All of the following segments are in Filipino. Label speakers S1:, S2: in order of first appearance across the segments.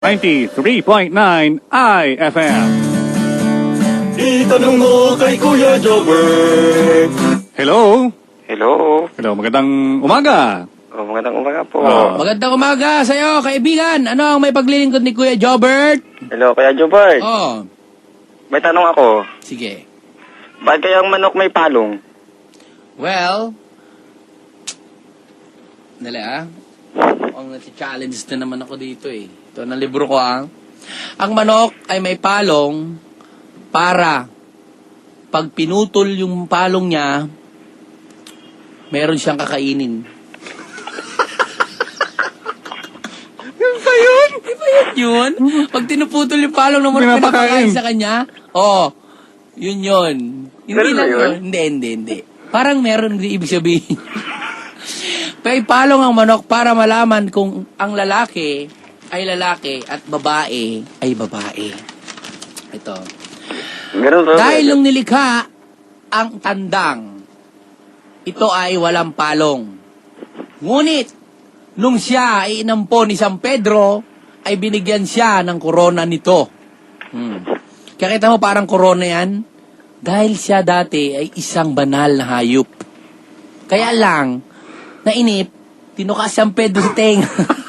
S1: 93.9 IFM.
S2: Itanong mo kay Kuya Jobber.
S1: Hello?
S3: Hello.
S1: Hello, magandang umaga.
S3: Magandang umaga po.
S4: Magandang umaga sa'yo, kaibigan. Ano ang may paglilingkod ni Kuya Jobert?
S3: Hello, Kuya Jobert.
S4: Oh,
S3: May tanong ako.
S4: sige.
S3: Bakit kaya ang manok may palong?
S4: Well, dali ang challenge na naman ako dito eh. Ito na libro ko Ang manok ay may palong para pag pinutol yung palong niya, meron siyang kakainin. Yun ba yun? Di ba yun? Pag tinuputol yung palong na manok,
S1: Pinapakain.
S4: pinapakain sa kanya, yun. Hindi
S3: Ganun
S4: lang
S3: ba yun?
S4: Hindi. Parang meron din ibig sabihin. May palong ang manok para malaman kung ang lalaki ay lalaki at babae ay babae. Ito.
S3: Ganun ba?
S4: Dahil nung nilikha ang tandang, ito ay walang palong. Ngunit, nung siya ay inampo ni San Pedro, ay binigyan siya ng korona nito. Kaya kita mo parang korona yan? Dahil siya dati ay isang banal na hayop. Kaya lang, nainip, tinuka si San Pedro sa tenga.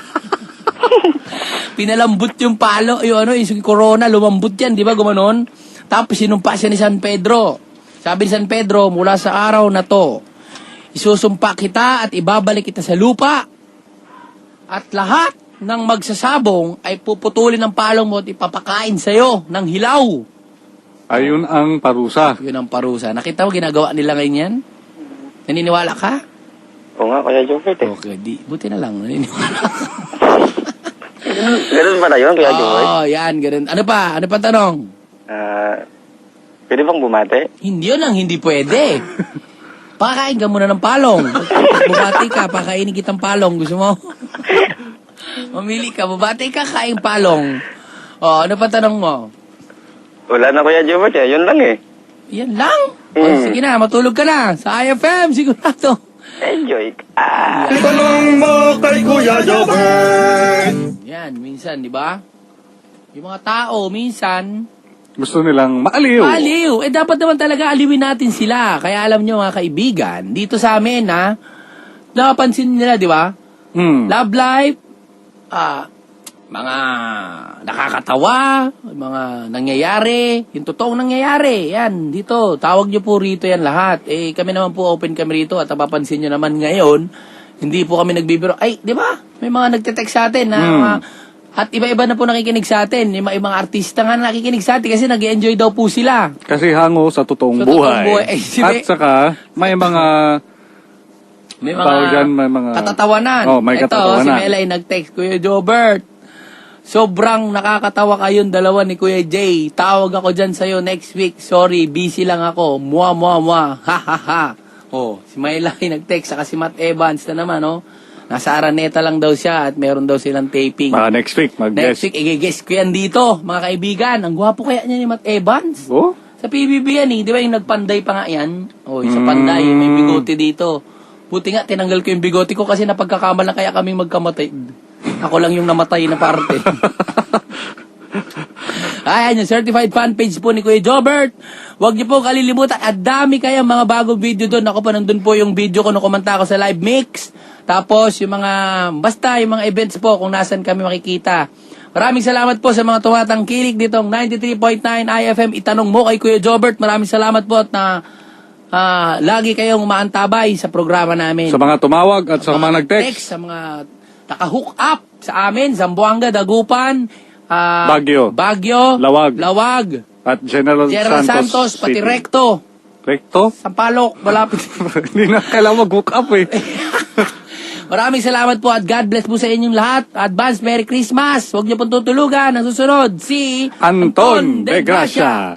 S4: Pinalambot yung palo, yung corona, lumambot yan, di ba, gumanon? Tapos sinumpa siya ni San Pedro. Sabi ni San Pedro, mula sa araw na to, isusumpa kita at ibabalik kita sa lupa. At lahat ng magsasabong ay puputulin ng palong mo at ipapakain sa'yo ng hilaw.
S1: Ayun ang parusa.
S4: Yun ang parusa. Nakita mo ginagawa nila ngayon yan? Naniniwala ka?
S3: Oo nga, Kuya Jobert eh.
S4: Okay, buti na lang, naniniwala ka.
S3: Ganun ba na yun, Kuya Jobert?
S4: Yan, ganun. Ano pa? Ano pa tanong?
S3: Pwede bang bumate?
S4: Hindi yun ang hindi pwede. Pakain ka muna ng palong. Bubati ka, pakainin kitang palong. Gusto mo? Mamili ka, bubati ka, kain palong. Ano pa tanong mo?
S3: Wala na, Kuya Jobert eh. Yun lang eh.
S4: Yan lang. Sige na, matulog ka na. Sa IFM, sigurado.
S3: Enjoy ka.
S2: Itanong mo kay Kuya Jobber.
S4: Yan, minsan, di ba? Yung mga tao, minsan,
S1: Gusto nilang maaliw.
S4: aliw. Dapat naman talaga aliwin natin sila. Kaya alam nyo mga kaibigan, dito sa amin, napapansin nila, di ba? Love life, mga nakakatawa, mga nangyayari, yung totoong nangyayari, yan, dito, tawag nyo po rito yan lahat. Kami naman po open kami rito at napapansin nyo naman ngayon, hindi po kami nagbibiro. Ay, di ba? May mga nagte-text sa atin na at iba-iba na po nakikinig sa atin. Yung mga artista nga nakikinig sa atin kasi nag-enjoy daw po sila.
S1: Kasi hango sa totoong
S4: Sa totoong
S1: buhay.
S4: buhay.
S1: At saka, may mga
S4: May
S1: tawag dyan, may mga
S4: katatawanan.
S1: may
S4: Ito,
S1: katatawanan.
S4: si Melay nag-text, Kuya Jobert. Sobrang nakakatawa kayong dalawa ni Kuya Jay. Tawag ako dyan sa'yo next week. Sorry, busy lang ako. Mua. Ha, ha, ha. Si Melay nag-text, saka si Matt Evans na naman, Nasa Araneta lang daw siya at meron daw silang taping.
S1: next week, mag-guest.
S4: Next week, i-guess ko yan dito, mga kaibigan. Ang gwapo kaya niya ni Matt Evans.
S1: Oh?
S4: Sa PBB yan Di ba yung nagpanday pa nga yan? Sa panday, may bigote dito. Buti nga, tinanggal ko yung bigote ko kasi napagkakamalan kaya kaming magkamatay. Ako lang yung namatay na parte. Ayan, yung certified fan page po ni Kuya Jobert. Huwag niyo po kalilimutan. At dami kayang mga bagong video doon. Ako pa nandun po yung video ko nung kumanta ako sa live mix. Tapos yung basta yung mga events po kung nasan kami makikita. Maraming salamat po sa mga tumatangkilik ditong 93.9 IFM. Itanong mo kay Kuya Jobert. Maraming salamat po at lagi kayong umaantabay sa programa namin.
S1: Sa mga tumawag at sa mga nag-text.
S4: Sa mga naka-hook up sa amin, Zamboanga, Dagupan, Baguio, Lawag,
S1: at General
S4: Santos, pati
S1: City.
S4: Recto, Sampaloc, malapit.
S1: Hindi na kailangan mag-hook up eh.
S4: Maraming salamat po at God bless po sa inyong lahat. Advance Merry Christmas. Huwag niyo pong tutulugan. Ang susunod, si
S1: Anton de Gracia.